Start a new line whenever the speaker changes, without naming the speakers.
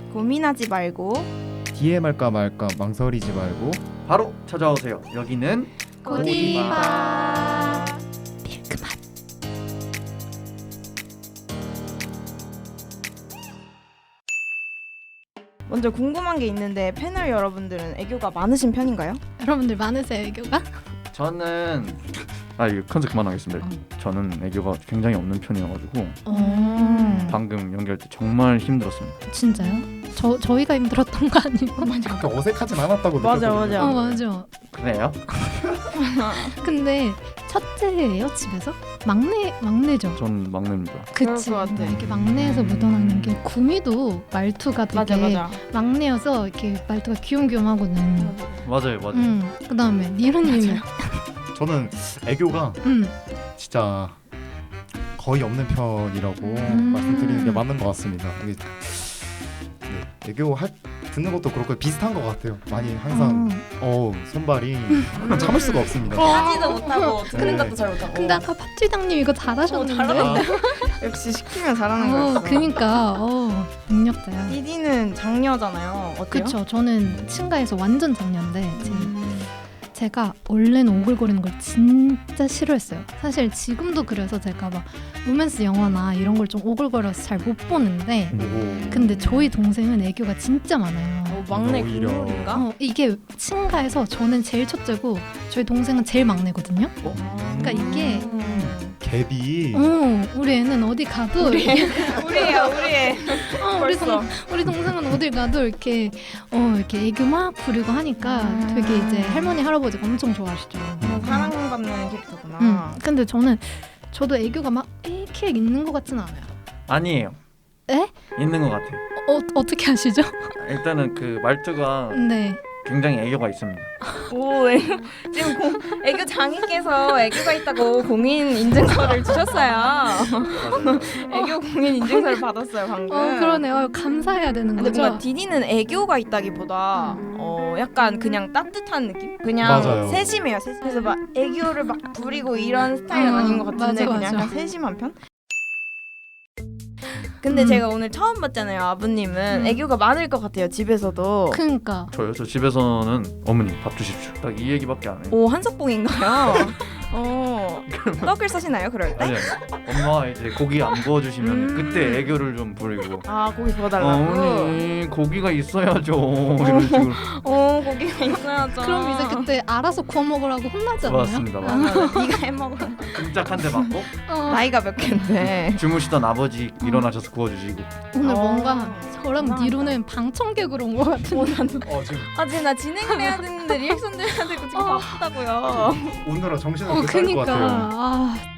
고민하지 말고
DM 할까 말까 망설이지 말고
바로 찾아오세요. 여기는
고디바.
밀크맛.
먼저 궁금한 게 있는데 패널 여러분들은 애교가 많으신 편인가요?
여러분들 많으세요 애교가?
저는 이거 컨셉 그만하겠습니다. 저는 애교가 굉장히 없는 편이어가지고 방금 연기할 때 정말 힘들었습니다.
진짜요? 저희가 힘들었던 거 아니에요?
그렇게 어색하진 않았다고
맞아,
느꼈거든요.
맞아.
맞아.
그래요?
근데 첫째예요 집에서? 막내죠.
전 막내입니다.
그치.
그럴 것 같아.
이렇게 막내에서 묻어나는 게 구미도 말투가 되게
맞아.
막내여서 이렇게 말투가 귀염귀염하거든.
맞아요.
그다음에 니루님은
저는 애교가 진짜 거의 없는 편이라고 말씀드리는 게 맞는 것 같습니다. 이게, 네, 애교 듣는 것도 그렇고 비슷한 것 같아요. 많이 항상 손발이 참을 수가 없습니다.
하지도 못하고 듣는
네.
것도 잘 못하고.
근데 아까 팥쥐당님 이거 잘하셨는데.
잘하는데. 역시 시키면 잘하는 거였어.
그니까 능력자야.
디디는 장녀잖아요. 어때요?
그쵸. 저는 친가에서 완전 장녀인데 제가 원래는 오글거리는 걸 진짜 싫어했어요. 사실 지금도 그래서 제가 막 로맨스 영화나 이런 걸 좀 오글거려서 잘 못 보는데 근데 저희 동생은 애교가 진짜 많아요.
막내
오히려.
국룰인가?
이게 친가에서 저는 제일 첫째고 저희 동생은 제일 막내거든요. 그러니까 이게
갭이
우리 애는 어디 가도
우리예요.
우리 동생은 어딜 가도 이렇게 애교 막 부리고 하니까 되게 이제 할머니 할아버지가 엄청 좋아하시죠.
사랑받는 캐릭터구나.
근데 저도 애교가 막 이렇게 있는 것 같지는 않아요.
아니에요.
에?
있는 것 같아요.
어떻게 아시죠?
일단은 그 말투가
네.
굉장히 애교가 있습니다.
오, 지금 애교 장인께서 애교가 있다고 공인 인증서를 주셨어요.
맞아요.
애교 공인 인증서를 받았어요 방금.
그러네요. 감사해야 되는
근데
거죠.
뭔가 디디는 애교가 있다기보다 약간 그냥 따뜻한 느낌? 그냥
맞아요.
세심해요. 그래서 막 애교를 막 부리고 이런 스타일은 아닌 것 같은데
맞아.
그냥 약간 세심한 편? 근데 제가 오늘 처음 봤잖아요. 아버님은 애교가 많을 것 같아요. 집에서도.
그러니까
저 집에서는 어머니 밥 주십시오. 딱 이 얘기밖에 안 해요.
오, 한석봉인가요? 떡을 써시나요 그럴 때?
아니 엄마 이제 고기 안 구워주시면 그때 애교를 좀 부리고
아, 고기 구워달라고?
어머니 고기가 있어야죠 이런 식으로.
고기가 있어야죠.
그럼 이제 그때 알아서 구워 먹으라고 혼나지 않나요?
맞습니다.
네가 해먹어.
끔짝 한 대 맞고
나이가 몇 갠데?
주무시던 아버지 일어나셔서 구워주시고.
오늘
어.
뭔가 저랑 니로는 방청객으로 온 것 같은데.
지금
지금 나 진행을 해야 되는데 리액션도 해야 되고 지금 바쁘다고요.
오늘은 정신을 못 차릴 것
그니까
같아요.